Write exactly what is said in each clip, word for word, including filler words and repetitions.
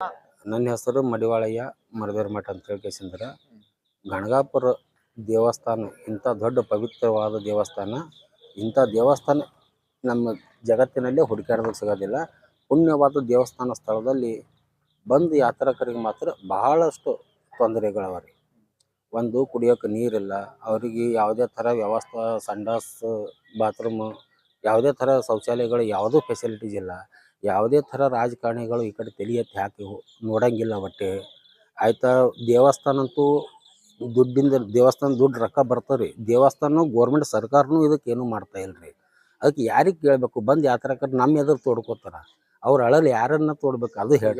ನನ್ನ ಹೆಸರು ಮಡಿವಾಳಯ್ಯ ಮರದೇವ್ರ ಮಠ ಅಂತ ಹೇಳ್ಕೇಸಿಂದ್ರ ಗಣಗಾಪುರ ದೇವಸ್ಥಾನ ಇಂಥ ದೊಡ್ಡ ಪವಿತ್ರವಾದ ದೇವಸ್ಥಾನ. ಇಂಥ ದೇವಸ್ಥಾನ ನಮ್ಮ ಜಗತ್ತಿನಲ್ಲೇ ಹುಡುಕಾಡೋದಕ್ಕೆ ಸಿಗೋದಿಲ್ಲ. ಪುಣ್ಯವಾದ ದೇವಸ್ಥಾನ ಸ್ಥಳದಲ್ಲಿ ಬಂದು ಯಾತ್ರಿಕರಿಗೆ ಮಾತ್ರ ಬಹಳಷ್ಟು ತೊಂದರೆಗಳವ ರೀ. ಒಂದು ಕುಡಿಯೋಕೆ ನೀರಿಲ್ಲ, ಅವರಿಗೆ ಯಾವುದೇ ಥರ ವ್ಯವಸ್ಥೆ, ಸಂಡಾಸ್, ಬಾತ್ರೂಮು, ಯಾವುದೇ ಥರ ಶೌಚಾಲಯಗಳು ಯಾವುದೂ ಫೆಸಿಲಿಟೀಸ್ ಇಲ್ಲ. ಯಾವುದೇ ಥರ ರಾಜಕಾರಣಿಗಳು ಈ ಕಡೆ ತಲೆ ಎತ್ತಿ ಹಾಕಿ ನೋಡಂಗಿಲ್ಲ ಒಟ್ಟೆ ಆಯ್ತಾ. ದೇವಸ್ಥಾನ ಅಂತೂ ದುಡ್ಡಿಂದ ದೇವಸ್ಥಾನ ದುಡ್ಡು ರೊಕ್ಕ ಬರ್ತಾವೆ ರೀ. ದೇವಸ್ಥಾನ ಗೋರ್ಮೆಂಟ್ ಸರ್ಕಾರನೂ ಇದಕ್ಕೆ ಏನೂ ಮಾಡ್ತಾ ಇಲ್ಲ ರೀ. ಅದಕ್ಕೆ ಯಾರಿಗೆ ಕೇಳಬೇಕು? ಬಂದು ಯಾತ್ರಿಕರು ನಮ್ಮ ಎದುರು ತೋಡ್ಕೋತಾರ, ಅವ್ರ ಅಳಲ್ಲಿ ಯಾರನ್ನ ತೋಡ್ಬೇಕು ಅದು ಹೇಳಿ.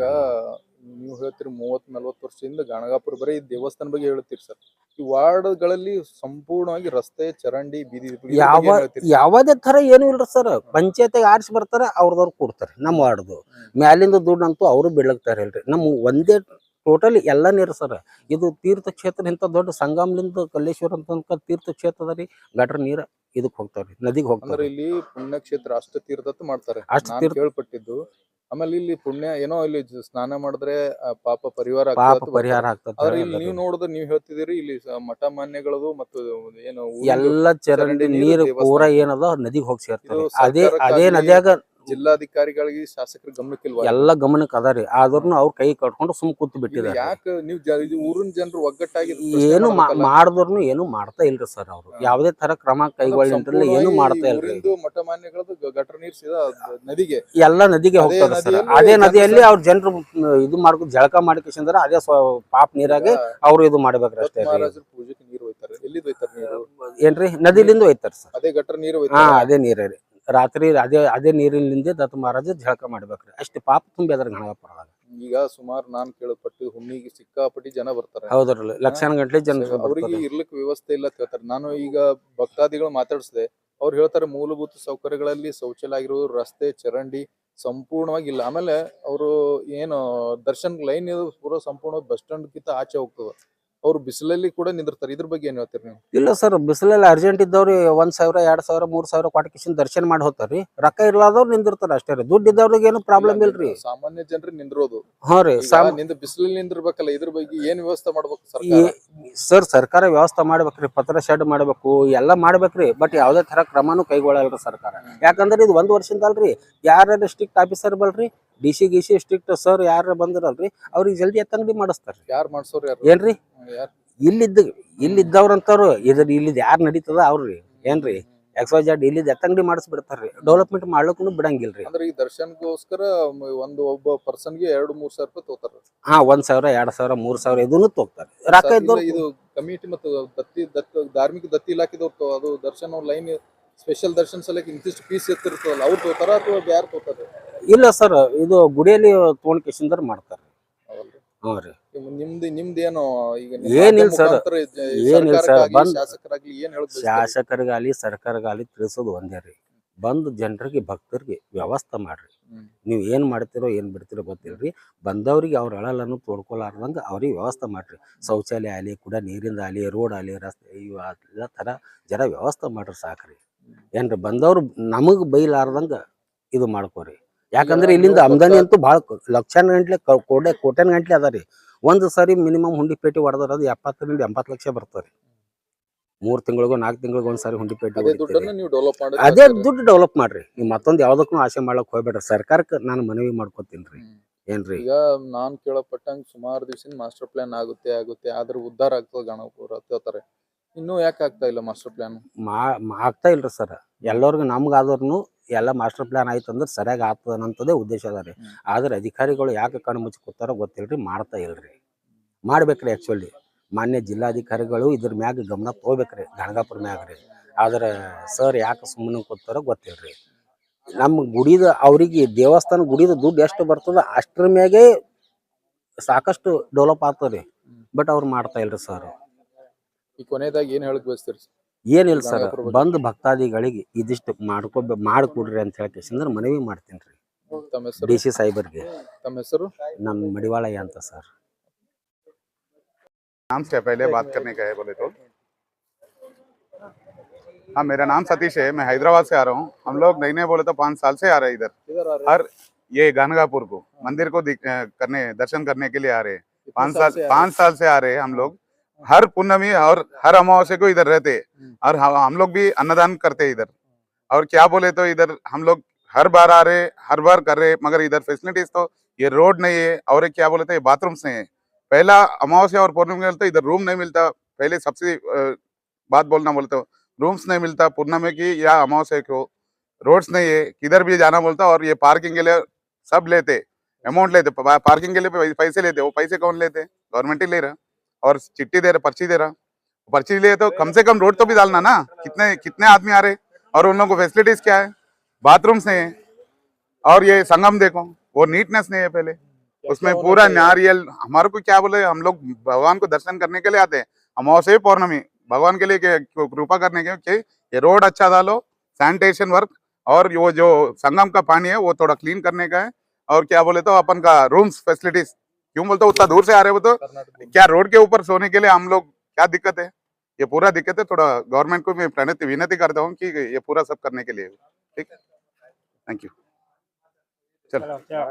ನೀವು ಹೇಳ್ತೀರಿ ಮೂವತ್ ನಲ್ವತ್ತು ವರ್ಷದಿಂದ ಗಣಗಾಪುರ ಬರೀ ದೇವಸ್ಥಾನ ಬಗ್ಗೆ ಹೇಳ್ತೀರಿ ಸರ್. ಈ ವಾರ್ಡ್ಗಳಲ್ಲಿ ಸಂಪೂರ್ಣವಾಗಿ ರಸ್ತೆ, ಚರಂಡಿ, ಬೀದಿ ಯಾವ ಯಾವುದೇ ಥರ ಏನೂ ಇಲ್ರಿ ಸರ್. ಪಂಚಾಯತಿಗೆ ಆರಿಸಿ ಬರ್ತಾರೆ, ಅವ್ರದವ್ರು ಕೊಡ್ತಾರೆ. ನಮ್ಮ ವಾರ್ಡ್ದು ಮ್ಯಾಲಿಂದ ದುಡ್ಡು ಅಂತೂ ಅವರು ಬೀಳಕ್ತಾರೆ ಇಲ್ರಿ. ನಮ್ಮ ಒಂದೇ ಟೋಟಲಿ ಎಲ್ಲ ನೀರು ಸರ್. ಇದು ತೀರ್ಥಕ್ಷೇತ್ರ, ಇಂಥ ದೊಡ್ಡ ಸಂಗಮಲಿಂದ ಕಲ್ಲೇಶ್ವರ ಅಂತ ತೀರ್ಥಕ್ಷೇತ್ರ ಅದ ರೀ. ಗಟ್ರ ನೀರು ಇದಕ್ಕೆ ಹೋಗ್ತಾವ್ರಿ, ನದಿಗೆ ಹೋಗ್ತಾರೆ. ಇಲ್ಲಿ ಪುಣ್ಯಕ್ಷೇತ್ರ ಅಷ್ಟ ತೀರ್ಥತ್ ಮಾಡ್ತಾರೆ ಅಷ್ಟು ಕೇಳ್ಪಟ್ಟಿದ್ದು. ಆಮೇಲೆ ಇಲ್ಲಿ ಪುಣ್ಯ ಏನೋ ಇಲ್ಲಿ ಸ್ನಾನ ಮಾಡಿದ್ರೆ ಪಾಪ ಪರಿಹಾರ ಪಾಪ ಪರಿಹಾರ ಆಗ್ತದೆ. ಇಲ್ಲಿ ನೀವು ನೋಡಿದ್ರೆ ನೀವು ಹೇಳ್ತಿದ್ದೀರಿ ಇಲ್ಲಿ ಮಠ ಮಾನ್ಯಗಳದು ಮತ್ತು ಏನು ಎಲ್ಲ ಚರಂಡಿ ನೀರು ಪೂರ ಏನದ ನದಿಗೆ ಹೋಗಿ ಸೇರ್ತಾರೆ. ಅದೇ ಅದೇ ನದಿಯಾಗ ಜಿಲ್ಲಾಧಿಕಾರಿಗಳಿಗೆ ಶಾಸಕರ ಗಮನಕ್ಕಿಲ್ವಾ? ಎಲ್ಲ ಗಮನಕ್ಕೆ ಅದ ರೀ. ಆದ್ರೂ ಅವ್ರ ಕೈ ಕಟ್ಕೊಂಡು ಸುಮ್ ಕೂತ್ ಬಿಟ್ಟಿದ್ದಾರೆ. ಯಾಕೆ ನೀವು ಊರಿನ ಜನರು ಒಗ್ಗಟ್ಟಾಗಿ ಏನು ಮಾಡಿದ್ರು ಏನು ಮಾಡ್ತಾ ಇಲ್ರಿ ಸರ್. ಅವರು ಯಾವುದೇ ತರ ಕ್ರಮ ಕೈಗೊಳ್ಳಿ ಏನು ಮಾಡ್ತಾ ಇಲ್ರಿ. ಮಠ ಮಾನ್ಯಗಳದ್ದು ಗಟರ್ ನೀರು ಸೀದಾ ನದಿಗೆ ಎಲ್ಲ ನದಿಗೆ ಹೋಗ್ತಾರೆ ಸರ್. ಅದೇ ನದಿಯಲ್ಲಿ ಅವ್ರ ಜನರು ಇದು ಮಾಡ್ಕೊ ಜಳಕ ಮಾಡ್ಕೊಂಡ್ರೆ ಅದೇ ಪಾಪ ನೀರಾಗೆ ಅವ್ರು ಇದು ಮಾಡ್ಬೇಕ್ರಿ ಅಷ್ಟೇ. ಪೂಜೆಗೆ ನೀರು ಹೋಯ್ತಾರೆ, ಎಲ್ಲಿಂದ ಹೋಯ್ತಾರೆ ನೀರು? ಏನ್ರಿ ನದಿಲಿಂದ ಹೋಯ್ತಾರ ಸರ್. ಅದೇ ಗಟರ್ ನೀರು? ಹಾ ಅದೇ ನೀರೇ ರೀ. ರಾತ್ರಿ ಅದೇ ಅದೇ ನೀರಿನಿಂದ ದತ್ತ ಮಹಾರಾಜ ಜಳಕ ಮಾಡ್ಬೇಕ್ರಿ. ಅಷ್ಟು ಪಾಪ ತುಂಬಿ ಅದ್ರ ಗಣಗಾಪುರದಾಗ. ಈಗ ಸುಮಾರು ನಾನ್ ಕೇಳಪಟ್ಟು ಹುಣ್ಣಿಗೆ ಸಿಕ್ಕಾಪಟ್ಟಿ ಜನ ಬರ್ತಾರೆ. ಹೌದ್ರಲ್ಲ, ಲಕ್ಷಾನ ಗಂಟ್ಲೆ ಜನ ಅವ್ರಿಗೆ ಇರ್ಲಿಕ್ಕೆ ವ್ಯವಸ್ಥೆ ಇಲ್ಲ ಅಂತ ಹೇಳ್ತಾರೆ. ನಾನು ಈಗ ಭಕ್ತಾದಿಗಳು ಮಾತಾಡಿಸಿದೆ, ಅವ್ರು ಹೇಳ್ತಾರೆ ಮೂಲಭೂತ ಸೌಕರ್ಯಗಳಲ್ಲಿ ಶೌಚಾಲಯ ಆಗಿರೋದು, ರಸ್ತೆ, ಚರಂಡಿ ಸಂಪೂರ್ಣವಾಗಿ ಇಲ್ಲ. ಆಮೇಲೆ ಅವರು ಏನು ದರ್ಶನ್ ಲೈನ್ ಪೂರ ಸಂಪೂರ್ಣ ಬಸ್ ಸ್ಟ್ಯಾಂಡ್ ಕಿಂತ ಆಚೆ ಹೋಗ್ತದೆ. ಅವ್ರು ಬಿಸಿಲಲ್ಲಿ ಕೂಡ ನಿಂದಿರ್ತಾರೆ. ಇದ್ರ ಬಗ್ಗೆ ಏನ್ ಹೇಳ್ತೀರಿ ನೀವು? ಇಲ್ಲ ಸರ್, ಬಿಸಿಲಲ್ಲಿ ಅರ್ಜೆಂಟ್ ಇದ್ದವ್ರು ಒಂದ್ ಸಾವಿರ ಎರಡ್ ಸಾವಿರ ಮೂರ್ ಸಾವಿರ ಕೊಟ್ಟು ದರ್ಶನ ಮಾಡಿ ಹೋಗ್ತಾರ್ರಿ. ರೊಕ್ಕ ಇರ್ಲಾದವ್ರು ನಿಂದಿರ್ತಾರ ಅಷ್ಟೇ ರೀ. ದುಡ್ಡು ಇದ್ದವ್ರಿಗೆ ಏನು ಪ್ರಾಬ್ಲಮ್ ಇಲ್ರಿ. ಸಾಮಾನ್ಯ ಜನರು ನಿಂದಿರೋದು. ಹಾ ರೀ, ನಿಂದ ಬಿಸಿಲಲ್ಲಿ ನಿಂದಿರ್ಬೇಕಲ್ಲ. ಇದ್ರ ಬಗ್ಗೆ ಏನ್ ವ್ಯವಸ್ಥೆ ಮಾಡ್ಬೇಕು ಸರ್ಕಾರ? ಸರ್ ಸರ್ಕಾರ ವ್ಯವಸ್ಥೆ ಮಾಡ್ಬೇಕ್ರಿ. ಪತ್ರ ಶೆಡ್ ಮಾಡ್ಬೇಕು, ಎಲ್ಲ ಮಾಡ್ಬೇಕ್ರಿ. ಬಟ್ ಯಾವ್ದೇ ತರ ಕ್ರಮನೂ ಕೈಗೊಳ್ಳಲ್ರಿ ಸರ್ಕಾರ. ಯಾಕಂದ್ರೆ ಇದು ಒಂದ್ ವರ್ಷದಿಂದ ಅಲ್ರಿ. ಯಾರ ಸ್ಟ್ರಿಕ್ಟ್ ಆಫೀಸರ್ ಬಲ್ರಿ, ಡಿ ಸಿ ಗಿ ಸಿ ಸ್ಟ್ರಿಕ್ಟ್ ಸರ್ ಯಾರ ಬಂದಿರಲ್ರಿ, ಅವ್ರಿಗೆ ಜಲ್ದಿ ಎತ್ತಂಗಡಿ ಮಾಡಿಸ್ತಾರ. ಯಾರು ಮಾಡ್ಸೋರ್ ಯಾರು? ಏನ್ರಿ ಇಲ್ಲಿದ್ದ ಇಲ್ಲಿದ್ದವ್ರಂತವ್ರು ಇದ್ರ ಇಲ್ಲಿದ್ ಯಾರು ನಡೀತದ ಅವ್ರಿ. ಏನ್ರಿ ಎಕ್ಸ್ ವೈ ಜೆಡ್ ಇಲ್ಲಿದ್ ಎತ್ತಂಗಡಿ ಮಾಡಿಸ್ಬಿಡ್ತಾರ್ರಿ. ಡೆವಲಪ್ಮೆಂಟ್ ಮಾಡ್ಲಿಕ್ಕೂ ಬಿಡಂಗಿಲ್ರಿ. ಅಂದ್ರೆ ಈ ದರ್ಶನ್ಗೋಸ್ಕರ ಒಂದು ಒಬ್ಬ ಪರ್ಸನ್ಗೆ ಎರಡು ಮೂರ್ ಸಾವಿರ ರೂಪಾಯಿ ತಗೋತಾರ. ಹಾ, ಒಂದ್ ಸಾವಿರ ಎರಡ್ ಸಾವಿರ ಮೂರ್ ಸಾವಿರ ಇದನ್ನು ತಗೋತಾರೆ. ರೊಕ್ಕ ಇದ್ದವ್ರು ಇದು ಕಮಿಟಿ ಮತ್ತು ದತ್ತಿ ದತ್ತ ಧಾರ್ಮಿಕ ದತ್ತಿ ಇಲಾಖೆದವ್ರು ಅದು ದರ್ಶನ್ ಲೈನ್ ಸ್ಪೆಷಲ್ ದರ್ಶನ್ ಸಲಕ್ಕೆ ಇಂತಿಷ್ಟು ಫೀಸ್ ಎತ್ತಿರ್ತದಲ್ಲ, ಅವ್ರು ತಗೋತಾರ ಅಥವಾ ಯಾರು ತಗೋತಾರೆ? ಇಲ್ಲ ಸರ್, ಇದು ಗುಡಿಯಲ್ಲಿ ತಗೊಂಡ್ ಕಿಶಿಂದರ್ ಮಾಡ್ತಾರೆ. ಹಾ ರೀ. ನಿಮ್ದು ನಿಮ್ದೇನು ಈಗ ಏನಿಲ್ಲ ಸರ್, ಏನಿಲ್ಲ ಸರ್. ಬಂದ್ ಶಾಸಕರಾಗ್ಲಿ ಏನ್ ಹೇಳ ಶಾಸಕರಿಗಾಲಿ ಸರ್ಕಾರಗಾಲಿ ತಿಳಿಸೋದು ಒಂದೇ ರೀ. ಬಂದು ಜನರಿಗೆ ಭಕ್ತರಿಗೆ ವ್ಯವಸ್ಥೆ ಮಾಡ್ರಿ. ನೀವ್ ಏನ್ ಮಾಡ್ತಿರೋ ಏನ್ ಬಿಡ್ತಿರೋ ಗೊತ್ತಿಲ್ರಿ. ಬಂದವ್ರಿಗೆ ಅವ್ರ ಅಳಲನ್ನು ತೋಡ್ಕೊಲಾರ್ದಂಗ ಅವ್ರಿಗೆ ವ್ಯವಸ್ಥೆ ಮಾಡ್ರಿ. ಶೌಚಾಲಯ ಆಗಲಿ, ಕೂಡ ನೀರಿಂದ ಆಗಲಿ, ರೋಡ್ ಆಗಲಿ, ರಸ್ತೆ ಇವು ಎಲ್ಲ ತರ ಜನ ವ್ಯವಸ್ಥೆ ಮಾಡ್ರಿ ಸಾಕ್ರಿ. ಏನ್ರಿ ಬಂದವ್ರು ನಮಗ್ ಬೈಲಾರ್ದಂಗ ಇದು ಮಾಡ್ಕೋರಿ. ಯಾಕಂದ್ರೆ ಇಲ್ಲಿಂದ ಆಮದಾನಿ ಅಂತೂ ಭಾಳ ಲಕ್ಷಾನ ಗಂಟ್ಲೆ ಕೋಟೆ ಕೋಟ್ಯಾನ ಗಂಟ್ಲೆ ಅದ ರೀ. ಒಂದು ಸಾರಿ ಮಿನಿಮಮ್ ಹುಂಡಿ ಪೇಟೆ ಹೊಡೆದ್ರ ಅದು ಎಪ್ಪತ್ತರಿಂದ ಎಂಬತ್ತು ಲಕ್ಷ ಬರ್ತಾರೆ. ಮೂರ್ ತಿಂಗಳಿಗೋ ನಾಲ್ಕು ತಿಂಗಳಿಗೆ ಒಂದ್ಸಾರಿ ಹುಂಡಿ ಪೇಟೆ ಅದೇ ದುಡ್ಡು ಡೆವಲಪ್ ಮಾಡ್ರಿ. ನೀವು ಮತ್ತೊಂದು ಯಾವ್ದಕ್ಕೂ ಆಸೆ ಮಾಡ್ಲಕ್ ಹೋಗ್ಬೇಡ್ರಿ. ಸರ್ಕಾರಕ್ಕೆ ನಾನು ಮನವಿ ಮಾಡ್ಕೊತೀನ್ರಿ. ಏನ್ರಿ ಈಗ ನಾನ್ ಕೇಳಪಟ್ಟಂಗ ಸುಮಾರು ದಿವಸ ಮಾಸ್ಟರ್ ಪ್ಲಾನ್ ಆಗುತ್ತೆ ಆಗುತ್ತೆ ಆದ್ರೆ ಉದ್ಧಾರ ಆಗ್ತದೆ ಗಣಪುರ ಹೇಳ್ತಾರೆ. ಇನ್ನೂ ಯಾಕೆ ಆಗ್ತಾ ಇಲ್ಲ ಮಾಸ್ಟರ್ ಪ್ಲಾನ್? ಆಗ್ತಾ ಇಲ್ರಿ ಸರ್. ಎಲ್ಲರಿಗೂ ನಮ್ಗಾದ್ರೂ ಎಲ್ಲ ಮಾಸ್ಟರ್ ಪ್ಲಾನ್ ಆಯ್ತು ಅಂದ್ರೆ ಸರಿಯಾಗಿ ಆಗ್ತದ ಅನ್ನೋದೇ ಉದ್ದೇಶ ಅದ ರೀ. ಆದ್ರೆ ಅಧಿಕಾರಿಗಳು ಯಾಕೆ ಕಣ್ಣು ಮುಚ್ಚಿ ಕೂತಾರೋ ಗೊತ್ತಿಲ್ರಿ, ಮಾಡ್ತಾ ಇಲ್ರಿ. ಮಾಡ್ಬೇಕ್ರಿ. ಆಕ್ಚುಲಿ ಮಾನ್ಯ ಜಿಲ್ಲಾಧಿಕಾರಿಗಳು ಇದ್ರ ಮ್ಯಾಗ ಗಮನ ತಗೋಬೇಕ್ರಿ, ಗಣಗಾಪುರ ಮ್ಯಾಗ ರೀ. ಆದ್ರೆ ಸರ್ ಯಾಕೆ ಸುಮ್ಮನೆ ಕೂತಾರೋ ಗೊತ್ತಿಲ್ರಿ. ನಮ್ಮ ಗುಡಿದ ಅವ್ರಿಗೆ ದೇವಸ್ಥಾನ ಗುಡಿದ ದುಡ್ಡು ಎಷ್ಟು ಬರ್ತದ ಅಷ್ಟ್ರ ಮ್ಯಾಗೆ ಸಾಕಷ್ಟು ಡೆವಲಪ್ ಆಗ್ತದೆ. ಬಟ್ ಅವ್ರು ಮಾಡ್ತಾ ಇಲ್ರಿ ಸರ್. ಈ ಕೊನೆಯದಾಗಿ ಏನ್ ಹೇಳಕ್ ಬಯಸ್ತೀರಿ? ಏನಿಲ್ಲ ಸರ್, ಬಂದ್ ಭಕ್ತಾದಿಗಳಿಗೆ ಇದಿಷ್ಟು ಮಾಡ್ಕೊ ಮಾಡ್ಕೊಡ್ರಿ ಅಂತ ಹೇಳಿ ಮನವಿ ಮಾಡ್ತೀನಿ ರೀ ಡಿ ಸಿ ಸಾಹೇಬರ್ಗೆ. ತಮ್ಮ ಹೆಸರು? ನಮ್ಮ ಮಡಿವಾಳಯ್ಯ ಅಂತ ಸರ್. नाम से पहले बात करने का है बोले तो हाँ, मेरा नाम सतीश है। मैं हैदराबाद से आ रहा हूँ। हम लोग नई नए बोले तो पाँच साल से आ रहे हैं इधर। हर ये गानगापुर को मंदिर को दिख- अ, करने दर्शन करने के लिए आ रहे हैं। कितने पाँच साल साल से आ पाँच साल से आ रहे हैं हम लोग। हर पूर्णमी और हर अमावस्या को इधर रहते हैं। हम्म। और हम हम लोग भी अन्नदान करते हैं इधर। और क्या बोले तो इधर हम लोग हर बार आ रहे, हर बार कर रहे, मगर इधर फैसिलिटीज तो ये रोड नहीं है और ये क्या बोले थे बाथरूम्स नहीं है। पहला अमावस्या और पूर्णिमा में तो इधर रूम नहीं मिलता। पहले सबसे अ, बात बोलना बोलते हो, रूम्स नहीं मिलता पूर्णिमा की या अमावस्या को। रोड्स नहीं है, किधर भी जाना बोलता। और ये पार्किंग के लिए सब लेते, अमाउंट लेते, पा- पार्किंग के लिए पै- पैसे लेते। वो पैसे कौन लेते? गवर्नमेंट ही ले रहा। और चिट्ठी दे रहा, पर्ची दे रहा। पर्ची लिए तो कम से कम रोड तो भी डालना ना। कितने कितने आदमी आ रहे और उन लोगों को फैसिलिटीज क्या है? बाथरूम्स नहीं है। और ये संगम देखो, वो नीटनेस नहीं है पहले उसमें। होना पूरा चाहिए? नारियल हमारे को क्या बोले, हम लोग भगवान को दर्शन करने के लिए आते हैं अमावस्या पौर्णमी, भगवान के लिए के- कृपा करने के कि ये रोड अच्छा डालो, सैनिटेशन वर्क, और वो जो संगम का पानी है वो थोड़ा क्लीन करने का है। और क्या बोले तो अपन का रूम्स फैसिलिटीज, क्यों बोलते हो उतना दूर से आ रहे हो तो कर्नाटक क्या रोड के ऊपर सोने के लिए हम लोग क्या दिक्कत है? ये पूरा दिक्कत है। थोड़ा गवर्नमेंट को मैं प्रणति विनती करता हूँ कि ये पूरा सब करने के लिए। ठीक है, थैंक यू। चलो।